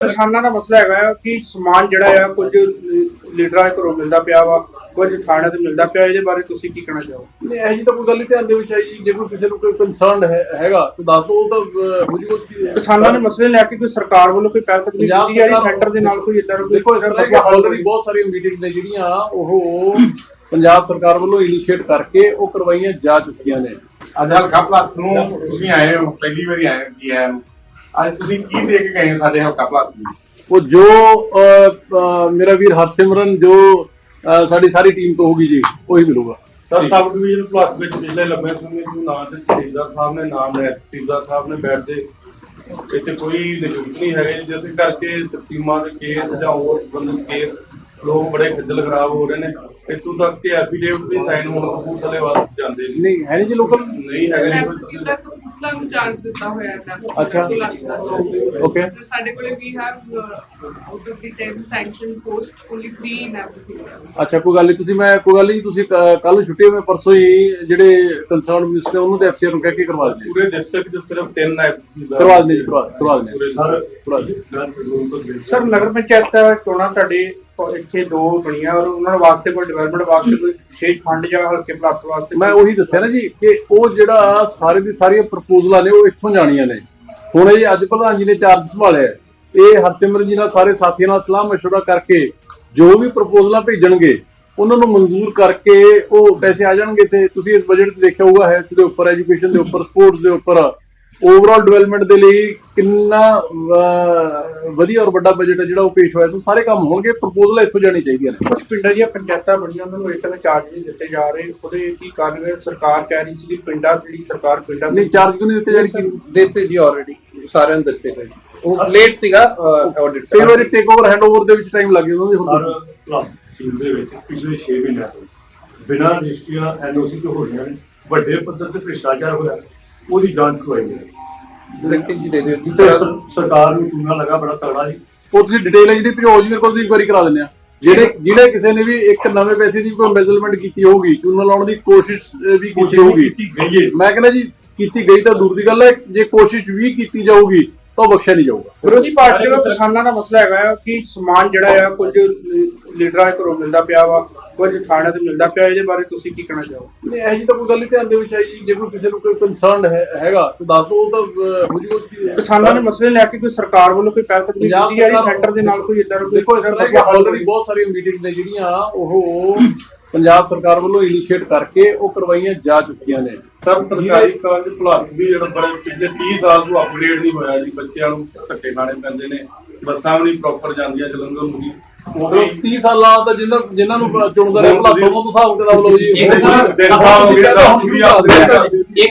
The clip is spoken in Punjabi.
किसानों का मसला है कि समान जिहड़ा कुछ लीडरां दे घरों मिलता पिया वा, कुछ थाणे ते मिलता पिया, इहदे बारे तुसीं की कहना चाहो? नहीं ऐसी तो कोई गल नहीं ध्यान दे विच आई। जे कोई किसी कोई कंसर्न हैगा तो दस दो तो हो जूगा। किसानों ने मसले लैके कोई सरकार वालों कोई पहलकदमी कीती जा रही सेंटर दे नाल कोई इदां देखो इस तरह की ऑलरेडी बहुत सारी मीटिंग्स ने जिहड़ियां ओह पंजाब सरकार वालों इनिशिएट करके वो करवाइयां जा चुकियां ने। ਅੱਜ ਹਲਕਾ ਭਲਾਤ ਨੂੰ ਤੁਸੀਂ ਆਏ ਹੋ, ਪਹਿਲੀ ਵਾਰੀ ਆਏ ਜੀ ਆਇਆਂ ਨੂੰ। ਅੱਜ ਤੁਸੀਂ ਕੀ ਦੇ ਕੇ ਗਏ ਹੋ ਸਾਡੇ ਹਲਕਾ ਭਲਾਤ ਨੂੰ? वो जो मेरा वीर हरसिमरन जो साड़ी सारी टीम तो होगी जी वही मिलूगा। ਸਰ ਸਬ ਡਿਵੀਜ਼ਨ ਪਲੱਸ ਵਿੱਚ ਪਿਛਲੇ ਲੰਬੇ ਸਮੇਂ ਤੋਂ ਨਾਂ ਤੇ ਤਹਿਸੀਲਦਾਰ ਸਾਹਿਬ ਨੇ ਨਾਮ ਲੈ ਤਹਿਸੀਲਦਾਰ ਸਾਹਿਬ ਨੇ ਬੈਠਦੇ ਇੱਥੇ ਕੋਈ ਨਿਯੁਕਤ ਨਹੀਂ ਹੈਗੇ, ਜਿਸ ਕਰਕੇ ਤਕਸੀਮਾਂ ਦੇ ਕੇਸ ਜਾਂ ਹੋਰ ਸੰਬੰਧਿਤ ਕੇਸ ਲੋਕ ਬੜੇ ਖੱਜਲ ਖਰਾਬ ਹੋ ਰਹੇ ਨੇ। ਇੱਥੋਂ ਤੱਕ ਕਿ ਐਫੀਡੇਵਿਟ ਵੀ ਸਾਈਨ ਹੋਣ ਕਪੂਰਥਲੇ ਵਾਸਤੇ ਜਾਂਦੇ ਨੇ। नहीं है नहीं जी लोकल ਨਹੀਂ ਹੈਗੇ अच्छा ओके ਸਾਡੇ ਕੋਲੇ ਵੀ have out of the 10 sanction post only 3 in every. अच्छा कोई गल नहीं तुसी मैं कोई गल नहीं तुसी कल छुट्टी में परसों ही जेडे कंसर्न मिनिस्टर उन्होंने तो एफसीआर ਨੂੰ ਕਹਿ ਕੇ ਕਰਵਾ ਦਿੰਦੇ ਪੂਰੇ ਡਿਸਟ੍ਰਿਕਟ 'ਚ ਸਿਰਫ 3 करवा देंगे जी करवा देंगे ਸਰ सर नगर पंचायत चोणां तुहाडे ਇੱਥੇ ਦੋ ਬਣੀਆਂ ਔਰ ਉਹਨਾਂ ਵਾਸਤੇ ਕੋਈ ਡਿਵੈਲਪਮੈਂਟ ਵਾਸਤੇ ਕੋਈ ਵਿਸ਼ੇਸ਼ ਫੰਡ ਜਾਂ ਹਲਕੇ ਪ੍ਰਾਪਤ ਵਾਸਤੇ ਮੈਂ ਉਹੀ ਦੱਸਿਆ ਨਾ ਜੀ ਕਿ ਉਹ ਜਿਹੜਾ ਸਾਰੇ ਦੀ ਸਾਰੀਆਂ ਪ੍ਰਪੋਜ਼ਲਾਂ ਨੇ ਉਹ ਇੱਥੋਂ ਜਾਣੀਆਂ ਨੇ। ਹੁਣ ਇਹ ਅੱਜ ਪ੍ਰਧਾਨ ਜੀ ਨੇ ਚਾਰਜ ਸੰਭਾਲਿਆ, ਇਹ ਹਰਸਿਮਰਨ ਜੀ ਨਾਲ ਸਾਰੇ ਸਾਥੀਆਂ ਨਾਲ ਸਲਾਹ ਮਸ਼ਵਰਾ ਕਰਕੇ ਜੋ ਵੀ ਪ੍ਰਪੋਜ਼ਲਾਂ ਭੇਜਣਗੇ ਉਹਨਾਂ ਨੂੰ ਮਨਜ਼ੂਰ ਕਰਕੇ ਉਹ ਪੈਸੇ ਆ ਜਾਣਗੇ। ਤੇ ਤੁਸੀਂ ਇਸ ਬਜਟ 'ਚ ਦੇਖਿਆ ਹੋਊਗਾ ਹੈਲਥ ਦੇ ਉੱਪਰ, ਐਜੂਕੇਸ਼ਨ ਦੇ ਉੱਪਰ, ਸਪੋਰਟਸ ਦੇ ਉੱਪਰ, ਓਵਰਆਲ ਡਿਵੈਲਪਮੈਂਟ ਦੇ ਲਈ ਕਿੰਨਾ ਵਧੀਆ ਔਰ ਵੱਡਾ ਬਜਟ ਹੈ ਜਿਹੜਾ ਉਹ ਪੇਸ਼ ਹੋਇਆ। ਸੋ ਸਾਰੇ ਕੰਮ ਹੋਣਗੇ, ਪ੍ਰਪੋਜ਼ਲਾਂ ਇੱਥੋਂ ਜਾਣੀ ਚਾਹੀਦੀਆਂ ਨੇ। ਕੁਝ ਪਿੰਡਾਂ ਦੀਆਂ ਪੰਚਾਇਤਾਂ ਬਣੀਆਂ ਉਹਨਾਂ ਨੂੰ ਇੱਕ ਤਾਂ ਚਾਰਜ ਨਹੀਂ ਦਿੱਤੇ ਜਾ ਰਹੇ, ਉਹਦੇ ਕੀ ਕਾਰਨ ਹੈ? ਸਰਕਾਰ ਕਹਿ ਰਹੀ ਸੀ ਕਿ ਪਿੰਡਾਂ ਜਿਹੜੀ ਸਰਕਾਰ ਪਿੰਡਾਂ ਨਹੀਂ ਚਾਰਜ ਕਿਉਂ ਨਹੀਂ ਦਿੱਤੇ ਜਾਣੀ? ਦਿੱਤੇ ਜੀ ਆਲਰੇਡੀ ਸਾਰਿਆਂ ਨੂੰ ਦਿੱਤੇ ਗਏ। ਉਹ ਲੇਟ ਸੀਗਾ ਆਡਿਟ। ਕਈ ਵਾਰੀ ਟੇਕ ਓਵਰ ਹੈਂਡ ਓਵਰ ਦੇ ਵਿੱਚ ਟਾਈਮ ਲੱਗ ਜਾਂਦਾ ਜੀ। ਸਰ ਪਲੱਸ ਤਹਿਸੀਲ ਦੇ ਵਿੱਚ ਪਿਛਲੇ 6 ਮਹੀਨਿਆਂ ਤੋਂ ਬਿਨਾਂ ਰਜਿਸਟਰੀਆਂ ਐਨਓਸੀ ਤੋਂ ਹੋ ਰਹੀਆਂ ਨੇ, ਵੱਡੇ ਪੱਧਰ ਤੇ ਭ੍ਰਿਸ਼ਟਾਚਾਰ ਹੋਇਆ, ਉਹਦੀ ਜਾਂਚ ਕਰਵਾਈ ਜਾਏ। ਲਿਖ ਜੀ ਦੇ ਦਿਓ। ਜਿੱਥੇ ਸਰਕਾਰ ਨੂੰ ਚੂਨਾ ਲੱਗਾ ਬੜਾ ਤਗੜਾ ਜੀ। ਉਹ ਤੁਸੀਂ ਡਿਟੇਲ ਹੈ ਜਿਹੜੀ ਭੇਜੋ ਜੀ ਮੇਰੇ ਕੋਲ, ਇਨਕੁਆਇਰੀ ਕਰਾ ਦਿੰਦੇ ਆ। ਜਿਹੜੇ ਕਿਸੇ ਨੇ ਵੀ ਇੱਕ ਨਵੇਂ ਪੈਸੇ ਦੀ ਕੋਈ ਮੈਜ਼ਰਮੈਂਟ ਕੀਤੀ ਹੋਊਗੀ, ਚੂਨਾ ਲਾਉਣ ਦੀ ਕੋਸ਼ਿਸ਼ ਵੀ ਕੀਤੀ ਹੋਊਗੀ, ਗਈ ਹੈ। ਮੈਂ ਕਹਿੰਦਾ ਜੀ ਕੀਤੀ ਗਈ ਤਾਂ ਦੂਰ ਦੀ ਗੱਲ ਹੈ, ਜੇ ਕੋਸ਼ਿਸ਼ ਵੀ ਕੀਤੀ ਜਾਊਗੀ ਤਾਂ ਉਹ ਬਖਸ਼ਿਆ ਨਹੀਂ ਜਾਊਗਾ। ਵਿਰੋਧੀ ਪਾਰਟੀ ਦਾ ਕਿਸਾਨਾਂ ਦਾ ਮਸਲਾ ਹੈਗਾ ਕਿ ਸਮਾਨ ਜਿਹੜਾ ਕੁਝ ਲੀਡਰਾਂ ਦੇ ਘਰੋਂ ਮਿਲਦਾ ਪਿਆ ਵਾ, ਕੁਝ ਥਾਣੇ ਤੇ ਮਿਲਦਾ ਪਿਆ, ਇਹਦੇ ਬਾਰੇ ਤੁਸੀਂ ਕੀ ਕਹਿਣਾ ਚਾਹੋ? ਨਹੀਂ ਇਹੋ ਜਿਹੀ ਤਾਂ ਕੋਈ ਗੱਲ ਨਹੀਂ ध्यान ਦੇ ਵਿੱਚ ਆਈ। ਜੇ ਕੋਈ ਕਿਸੇ ਨੂੰ ਕੋਈ ਕੰਸਰਨ ਹੈਗਾ ਤਾਂ ਦੱਸ ਦਿਓ, ਤਾਂ ਹੋ ਜੂਗਾ। ਕਿਸਾਨਾਂ ਦੇ ਮਸਲੇ ਲੈ ਕੇ ਕੋਈ ਸਰਕਾਰ ਵੱਲੋਂ ਕੋਈ ਪਹਿਲਕਦਮੀ ਕੀਤੀ ਜਾ ਰਹੀ ਸੈਂਟਰ ਦੇ ਨਾਲ ਕੋਈ ਇਦਾਂ ਦੇਖੋ ਇਸ ਤਰ੍ਹਾਂ ਦੀਆਂ ਆਲਰੇਡੀ ਬਹੁਤ ਸਾਰੀਆਂ ਮੀਟਿੰਗਸ ਨੇ ਜਿਹੜੀਆਂ ਉਹ ਪੰਜਾਬ ਸਰਕਾਰ ਵੱਲੋਂ ਇਨੀਸ਼ੀਏਟ ਕਰਕੇ ਉਹ ਕਰਵਾਈਆਂ ਜਾ ਚੁੱਕੀਆਂ ਨੇ। ਸਰ ਸਰਕਾਰੀ ਕਾਲਜ ਭਲਾਤ ਵੀ ਜਿਹੜਾ ਬੜੇ ਪਿਛਲੇ 30 ਸਾਲ ਤੋਂ ਅਪਗ੍ਰੇਡ ਨਹੀਂ ਹੋਇਆ ਜੀ। ਬੱਚਿਆਂ ਨੂੰ ਧੱਕੇ ਖਾਣੇ ਪੈਂਦੇ ਨੇ, ਬੱਸਾਂ ਵੀ ਨਹੀਂ ਪ੍ਰੋਪਰ ਜਾਂਦੀਆਂ ਜਲੰਧਰ ਨੂੰ ਜੀ। ਉਹ 30 ਸਾਲਾਂ ਦਾ ਜਿਨ੍ਹਾਂ ਨੂੰ ਚੁਣਦਾ ਰਿਹਾ ਭਲਾ ਤੋਂ ਹਿਸਾਬ ਕਿਤਾਬ ਲਓ ਜੀ। ਇੱਕ ਸਾਲ ਹੋ ਗਿਆ।